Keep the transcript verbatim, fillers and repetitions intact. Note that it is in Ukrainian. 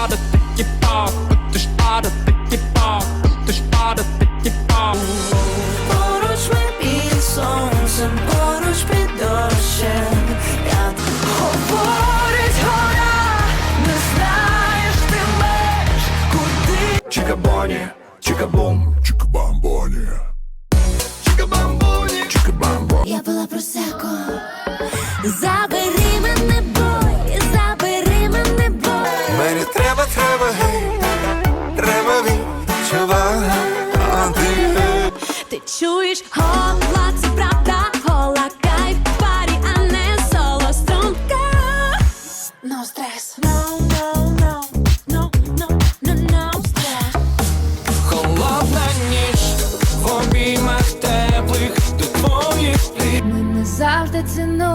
spotted, think you pop, but the spotted, think you pop, but the spotted, think you pop. Поруч ми під сонцем, поруч під дощем. Я говорить гора, не знаєш ти меж, куди. Чикабоні, чикабум, чикабамбоні, чикабамбоні, чикабамбо. Я пила просеко. Забери мене, бой, забери мене, бой. Мені треба, треба, гей, треба відчувати. Ти чуєш гола, це правда, гола, кайф, парі, а не соло, струнка. No stress, no, no, no, no, no, no, no stress. Холодна ніч в обіймах теплих до твоїх пліт. Ми не завжди цінуємо